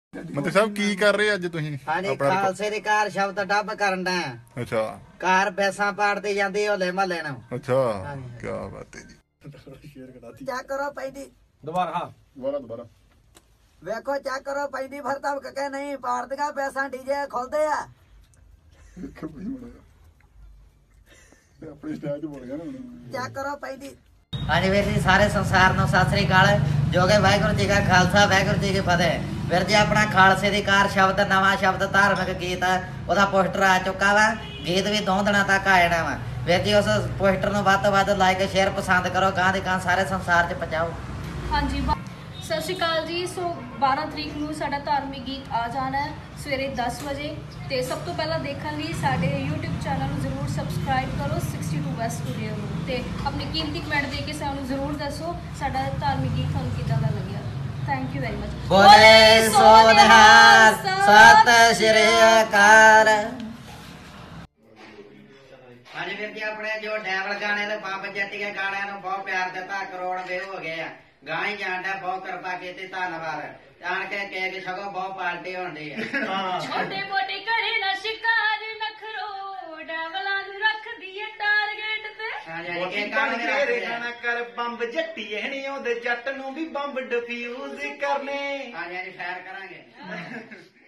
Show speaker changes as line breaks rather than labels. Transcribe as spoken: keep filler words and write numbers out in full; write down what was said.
ਮੰਤਰੀ ਸਾਹਿਬ ਕੀ ਕਰ ਰਹੇ ਅੱਜ ਤੁਸੀਂ?
ਹਾਂਜੀ ਖਾਲਸੇ ਦੀ ਕਾਰ ਸ਼ਬਦ ਡੱਬ ਕਰਨ ਦਾ।
ਅੱਛਾ
ਕਾਰ ਪੈਸਾ ਪਾੜਦੇ ਜਾਂਦੀ ਹੋਲੇ ਮਹੱਲੇ ਨੂੰ।
ਅੱਛਾ ਕੀ ਬਾਤ ਹੈ ਜੀ।
ਚੈੱਕ ਕਰੋ ਪੈਂਦੀ
ਦੁਬਾਰਾ ਹਾਂ
ਦੁਬਾਰਾ ਦੁਬਾਰਾ
ਵੇਖੋ ਚੈੱਕ ਕਰੋ ਪੈਂਦੀ ਫਿਰ ਤਾਂ ਕਹੇ ਨਹੀਂ ਪਾੜਦੀਆਂ ਪੈਸਾ ਡੀਜੇ ਖੁੱਲਦੇ ਆ।
ਆਪਣੀ ਸਟਾਈਲ ਚ ਬੋਲ ਗਿਆ ਨਾ
ਚੈੱਕ ਕਰੋ ਪੈਂਦੀ। ਹਾਂਜੀ ਵੀਰ ਜੀ ਸਾਰੇ ਸੰਸਾਰ ਨੂੰ ਸਤਿ ਸ੍ਰੀ ਅਕਾਲ। ਜੋ ਕਿ ਵਾਹਿਗੁਰੂ ਜੀ ਕਾ ਖਾਲਸਾ ਵਾਹਿਗੁਰੂ ਜੀ ਕੀ ਫਤਿਹ। ਵੀਰ ਜੀ ਆਪਣਾ ਖਾਲਸੇ ਦੀ ਕਾਰ ਸ਼ਬਦ ਨਵਾਂ ਸ਼ਬਦ ਧਾਰਮਿਕ ਗੀਤ ਉਹਦਾ ਪੋਸਟਰ ਆ ਚੁੱਕਾ ਵਾ। ਗੀਤ ਵੀ ਦੋ ਦਿਨਾਂ ਤੱਕ ਆ ਜਾਣਾ ਵਾ। ਵੀਰ ਜੀ ਉਸ ਪੋਸਟਰ ਨੂੰ ਵੱਧ ਤੋਂ ਵੱਧ ਲਾਈਕ ਸ਼ੇਅਰ ਪਸੰਦ ਕਰੋ। ਗਾਂ ਦੀ ਗਾਂ ਸਾਰੇ ਸੰਸਾਰ 'ਚ ਪਹੁੰਚਾਓ।
ਹਾਂਜੀ ਸਤਿ ਸ਼੍ਰੀ ਅਕਾਲ ਜੀ। ਸੋ ਬਾਰਾਂ ਤਰੀਕ ਨੂੰ ਸਾਡਾ ਧਾਰਮਿਕ ਗੀਤ ਆ ਜਾਣਾ ਹੈ ਸਵੇਰੇ ਦਸ ਵਜੇ। ਤੇ ਸਭ ਤੋਂ ਪਹਿਲਾਂ ਦੇਖਣ ਲਈ ਸਾਡੇ YouTube ਚੈਨਲ ਨੂੰ ਜ਼ਰੂਰ ਸਬਸਕ੍ਰਾਈਬ ਕਰੋ ਸਿਕਸਟੀ ਟੂ ਵੈਸਟ ਸਟੂਡੀਓ ਨੂੰ। ਤੇ ਆਪਣੀ ਕੀਮਤੀ ਕਮੈਂਟ ਦੇ ਕੇ ਸਾਨੂੰ ਜ਼ਰੂਰ ਦੱਸੋ ਸਾਡਾ ਧਾਰਮਿਕ ਗੀਤ ਤੁਹਾਨੂੰ ਕਿੱਦਾਂ ਦਾ ਲੱਗਿਆ। Thank you very much.
ਬੋਲੇ ਸੋ ਨਿਹਾਲ ਸਤਿ ਸ਼੍ਰੀ ਅਕਾਲ। ਹਾਂਜੀ ਵੀਰ ਜੀ ਆਪਣੇ ਜੋ ਡੈਵਲ ਗਾਣੇ ਤੇ ਬੰਬ ਜੱਟੀਏ ਗਾਣਿਆਂ ਨੂੰ ਬਹੁਤ ਪਿਆਰ ਦਿੱਤਾ। ਕਰੋੜ ਵਿਊ ਹੋ ਗਏ ਆ। ਗਾਂ ਹੀ ਜਾਣਦਾ ਬਹੁਤ ਕਿਰਪਾ ਕੀਤੀ ਧੰਨਵਾਦ। ਆਣ ਕੇ ਕੇਕ ਛਕੋ ਬਹੁਤ ਪਾਰਟੀ ਹੋਣੀ ਹੈ।
ਛੋਟੇ ਮੋਟੇ ਘਰੇ ਨਾ ਸ਼ਿਕਾਰ ਨਖਰੋ ਡੈਵਲਾਂ ਨੂੰ ਰੱਖਦੀ ਏ ਟਾਰਗੇਟ ਤੇ।
ਹਾਂਜੀ
ਬਣ ਕੇ ਰਹਿਣਾ ਕਰ ਬੰਬ ਜੱਟੀਏ ਨੀ ਉਹਦੇ ਜੱਟ ਨੂੰ ਵੀ ਬੰਬ ਡਿਫਿਊਜ਼ ਕਰਨੇ।
ਹਾਂਜੀ ਫਾਇਰ ਕਰਾਂਗੇ।